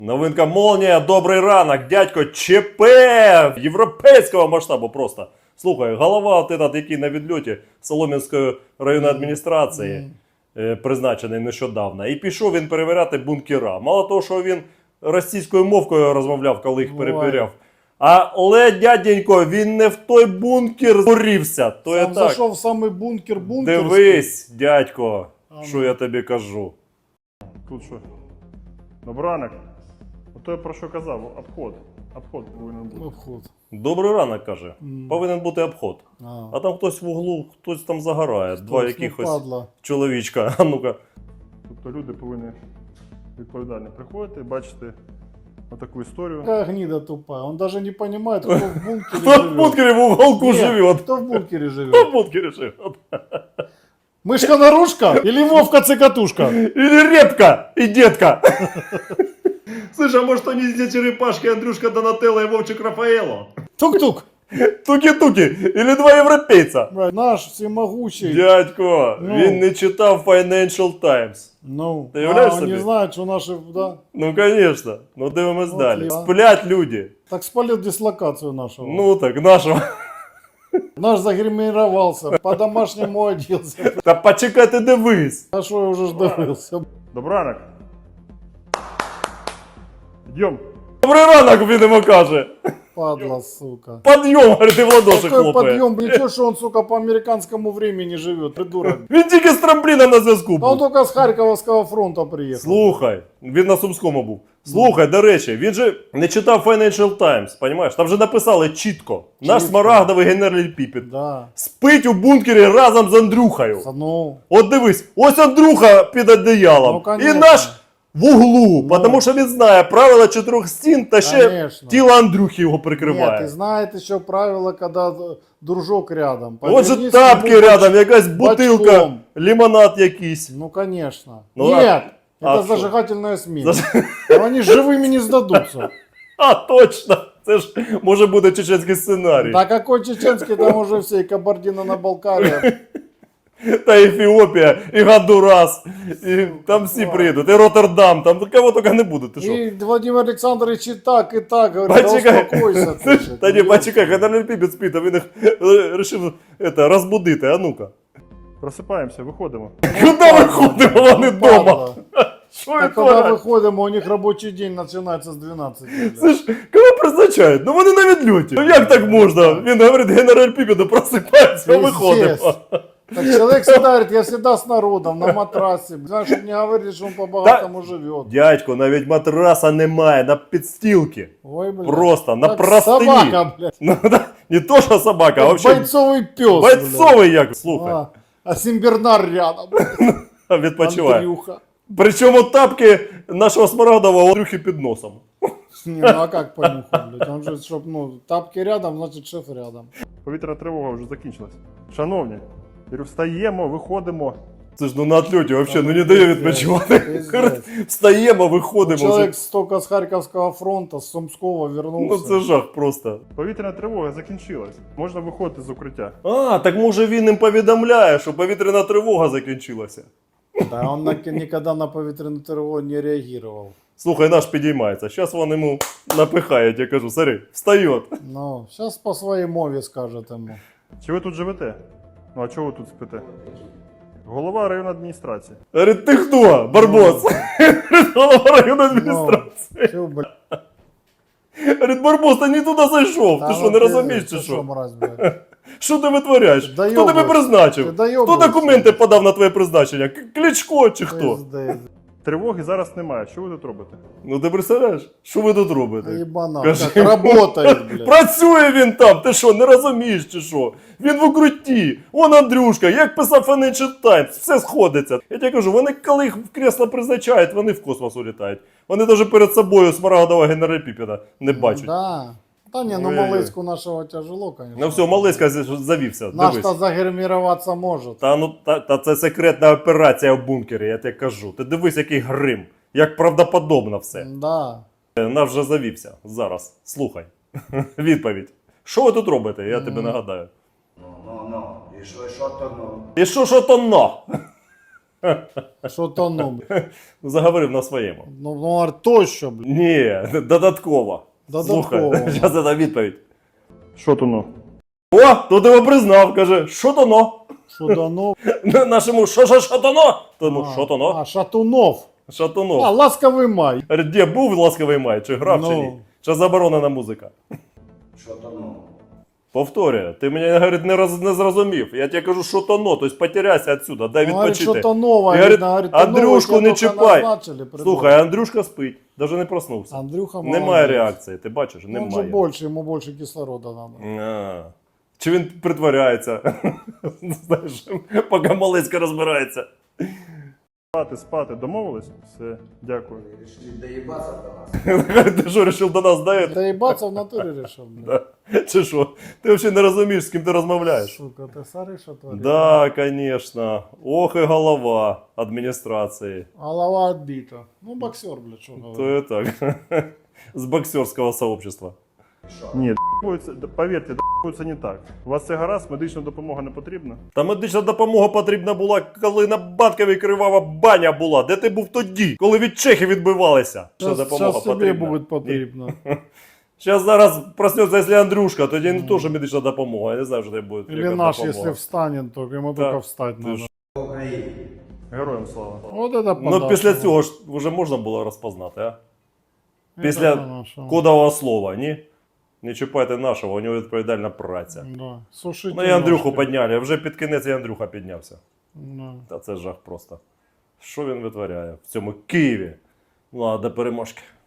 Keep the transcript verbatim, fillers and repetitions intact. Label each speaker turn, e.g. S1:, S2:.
S1: Новинка Молнія, добрий ранок, дядько, ЧП європейського масштабу просто. Слухай, голова от этот, який на відльоті Солом'янської районної адміністрації, е, призначений нещодавно, і пішов він перевіряти бункера. Мало того, що він російською мовкою розмовляв, коли їх перепіряв. Але, дяденько, він не в той бункер згорівся. То я
S2: Сам
S1: так.
S2: зайшов в самий бункер бункерський.
S1: Дивись, дядько,
S2: А,
S1: що
S2: ну.
S1: я тобі кажу.
S3: Тут що? Добранок. Ото я про що казав, обход. Обход повинен бути.
S2: Обход.
S1: Добрий ранок, каже.
S2: М.
S1: Повинен бути обход.
S2: А,
S1: А там хтось в углу, хтось там загорає. Два
S2: Хтось, ну,
S1: якихось
S2: падла.
S1: чоловічка. А ну-ка.
S3: Тобто люди повинні відповідально приходити, бачити отаку історію.
S2: Какая гнида тупая. Он даже не понимает, кто в бункере
S1: Хто в
S2: живет.
S1: бункері в уголку
S2: Нет,
S1: живе?
S2: Кто в бункере
S1: Хто
S2: живет?
S1: в бункері живе?
S2: Мышка-нарушка или Вовка-цикатушка?
S1: Или репка и детка. Слышь, а может они здесь черепашки Андрюшка Донателло и Вовчик Рафаэло?
S2: Тук-тук.
S1: Туки-туки. Или два європейця.
S2: Брат, Наш всемогущий.
S1: Дядько,
S2: Ну.
S1: він не читав Financial Times.
S2: Ну,
S1: Ты являешь
S2: а, он
S1: себе?
S2: не знает, что наши, да.
S1: Ну, конечно. Ну, дивимось
S2: Вот
S1: далі.
S2: я.
S1: Сплять люди.
S2: Так спалил дислокацию нашего.
S1: Ну, так, нашого.
S2: Наш загримировался, по-домашнему оделся.
S1: Та почекай, ти дивись.
S2: А что я уже ж добился?
S3: Добранок. Йдем.
S1: Добрий ранок, він йому каже.
S2: Падла, сука.
S1: Подйом, говорить, і в ладоші
S2: Какой
S1: хлопає.
S2: подъем, ничего, что он, сука, по американскому времени живет, придурок.
S1: Він тільки з трампліна на зв'язку
S2: А он
S1: був.
S2: только с Харьковского фронта приехал.
S1: Слухай, він на Сумському був. Слухай, до речі, він же не читав Financial Times, понімаєш? Там же написали чітко. Наш
S2: Чітко.
S1: смарагдовий генераль Піпіт
S2: Да.
S1: спить у бункері разом з Андрюхою.
S2: Ну,
S1: От дивись, ось Андрюха під одеялом.
S2: Ну,
S1: і
S2: конечно.
S1: наш в углу,
S2: Ну.
S1: тому що він знає правила чотирьох стін та ще
S2: Конечно.
S1: тіло Андрюхи його
S2: нет,
S1: прикриває.
S2: и знает еще правило, когда д- дружок рядом.
S1: От же
S2: Повернись
S1: тапки
S2: ему
S1: рядом,
S2: боч-
S1: якась бутилка,
S2: бочком.
S1: лимонад якийсь.
S2: Ну, конечно.
S1: Ну,
S2: Нет,
S1: а
S2: это
S1: что?
S2: зажигательная смесь.
S1: Заж-
S2: А они живыми не сдадутся.
S1: А, точно! Це ж може бути чеченський сценарій.
S2: Да какой чеченский, там уже все, и Кабардино-на-Балкария.
S1: Та Ефіопія, і Гондурас, і там всі
S2: Да.
S1: приїдуть, і Роттердам, там кого тільки не буде, ти що?
S2: И Владимир Александрович и так, и так говорит, да
S1: Почекай.
S2: успокойся.
S1: Та
S2: ты,
S1: ні,
S2: ну,
S1: почекай, генераль Піпіт спить, а він їх вирішив это, розбудити, а ну-ка.
S3: Просипаємося, виходимо.
S1: Куди виходимо, вони
S2: падла.
S1: вдома? Що
S2: Так
S1: їх
S2: когда
S1: творять?
S2: выходим, у них рабочий день начинается с двенадцати.
S1: Це ж, кого призначають? Ну вони на відльоті. Ну як так можна? Він говорить, генераль Піпіт, просипається, а виходимо.
S2: Пиздец. Так человек всегда говорит, я всегда с народом, на матрасе. Знаешь, чтобы не говорили, что он по-богатому живет.
S1: Дядько, навіть матраса немає, на підстілки.
S2: Ой, блядь.
S1: Просто, на
S2: Как
S1: простині.
S2: собака, блядь.
S1: Ну, да, не то, що собака, а
S2: Как
S1: вообще
S2: бойцовый пес.
S1: бойцовий як, слухай,
S2: А, а Симбернар рядом. блядь.
S1: відпочиває.
S2: Андрюха.
S1: Причому тапки нашого Смарагдового Андрюхи під носом.
S2: Не, ну а как понюхать, блядь? Он же, чтоб, ну, тапки рядом, значит шеф рядом.
S3: Повітряна тривога вже закінчилась. Шановні, я говорю, встаємо, виходимо.
S1: Це ж ну на отльоті взагалі, ну не дає відпочивати.
S2: Пиздец.
S1: Встаємо, виходимо.
S2: Человек
S1: Вже.
S2: столько с Харьковского фронта, с Сумского
S1: Ну
S2: вернулся.
S1: це жах просто.
S3: Повітряна тривога закінчилась. Можна виходити з укриття.
S1: А, так може він їм повідомляє, що повітряна тривога закінчилася.
S2: Да, он на, никогда на повітряну тривогу не реагировал.
S1: Слухай, наш підіймається. Зараз вони йому напихають, я кажу, смотри, встає.
S2: Ну, сейчас по своей мове скажет ему.
S3: Чи ви тут живете? Ну а чого ви тут спите? Голова районної адміністрації.
S1: Говорить, ти хто? Барбос. Голова районної
S2: Ну,
S1: адміністрації.
S2: чё, блядь?
S1: Говорить, Барбос, ти не туди зайшов.
S2: Да
S1: Ти що,
S2: ну
S1: не
S2: ты-
S1: розумієш чи
S2: ты
S1: що?
S2: мразь, блядь?
S1: Що ти витворяєш?
S2: Ти
S1: Хто тебе
S2: доєбуєшся.
S1: призначив?
S2: Ти
S1: Хто
S2: доєбуєшся.
S1: документи подав на твоє призначення? К- Кличко чи хто?
S2: Пиздец.
S3: Тривоги зараз немає. Що ви тут робите?
S1: Ну ти представляєш? Що ви тут робите?
S2: Ебана,
S1: Кажи.
S2: как работает, блядь.
S1: Працює він там, ти що, не розумієш чи що? Він в укрутті. Он Андрюшка, як писав Financial Times, все сходиться. Я тебе кажу, вони коли їх в кресло призначають, вони в космос улітають. Вони навіть перед собою Смарагдового генерала Піпіна не бачать.
S2: Да. Да не, ну
S1: Ой-ой-ой.
S2: малыську нашего тяжело, конечно.
S1: Ну все, Малиська завівся,
S2: Наш-то
S1: дивись.
S2: загримироваться может.
S1: Та ну та, та це секретна операція в бункері, я тебе кажу. Ти дивись, який грим, як правдоподобно все.
S2: Да.
S1: Наш вже завівся. Зараз. Слухай. Відповідь. Що ви тут робите? Я тобі нагадаю.
S4: Ну, ну, ну. І що, що то ну?
S1: І що, що то но?
S2: Що то ну, блядь.
S1: Заговорив на своєму.
S2: Ну, ну, говорить, то що, блядь.
S1: Ні, додатково.
S2: Додатково.
S1: Слухай, зараз це відповідь.
S3: Що то ну?
S1: О, тут його признав, каже, що то но?
S2: Що дано?
S1: Нашому що що що то но? Тому що то но?
S2: А, Шатунов.
S1: Шатунов.
S2: А, ласковий май.
S1: Говорить, де був ласковий май, чи грав, чи
S2: Ну.
S1: ні? Чи заборонена музика?
S4: Що то ну?
S1: Повторюю, ти мене, говорить, не, роз, не зрозумів. Я тебе кажу, що то но, тобто потеряйся отсюда, дай
S2: Говорить,
S1: відпочити.
S2: що то нове.
S1: І говорить,
S2: видно, говорить, то
S1: Андрюшку
S2: нове,
S1: не
S2: тільки
S1: чіпай.
S2: назначили, придурок.
S1: Слухай, Андрюшка спить, навіть не проснувся.
S2: Андрюха
S1: Немає
S2: молодець.
S1: реакції, ти бачиш?
S2: Ну, Он же
S1: Немає.
S2: больше, ему больше кислорода надо.
S1: А. Чи він притворяється? Знаєш, поки Малецька розбирається.
S3: Спати, спати, домовились? Все, дякую.
S4: Решили доебаться до нас.
S1: Ти що, вирішив до нас даєш?
S2: Да ебаться в натуре решил, блядь.
S1: Чи що? Ти взагалі не розумієш, з ким ти розмовляєш?
S2: Сука, ты смотри, что творишь.
S1: Да, конечно. Ох і голова адміністрації.
S2: Голова отбита. Ну, боксер, блядь, что
S1: То
S2: говорит.
S1: і так. З боксерського сообщества.
S3: Ні, д***уються, д- повірте, д***уються не так. У вас це гаразд, медична допомога не потрібна?
S1: Та медична допомога потрібна була, коли на Батковій кривава баня була. Де ти був тоді? Коли від чехів відбивалися? Що
S2: Сейчас,
S1: допомога
S2: сейчас тебе
S1: потрібна?
S2: будет потребно.
S1: Зараз зараз проснеться, якщо Андрюшка, тоді не теж медична допомога. Я не знаю, що це буде.
S2: Или
S1: яка
S2: наш,
S1: допомога.
S2: если встанет, то ему
S1: Да.
S2: только встать
S1: Ти
S2: надо.
S1: ж-
S4: Україні.
S3: Героям слава.
S2: Вот это
S1: Ну
S2: подарок.
S1: після цього ж вже можна було розпознати, а?
S2: Это
S1: Після
S2: хорошо.
S1: кодового слова, ні? Не чіпайте нашого, у нього відповідальна праця.
S2: Да. Сушите
S1: Ну і Андрюху
S2: ножки.
S1: підняли, вже під кінець і Андрюха піднявся.
S2: Да.
S1: Та це жах просто. Що він витворяє в цьому Києві? Ну, а до переможки.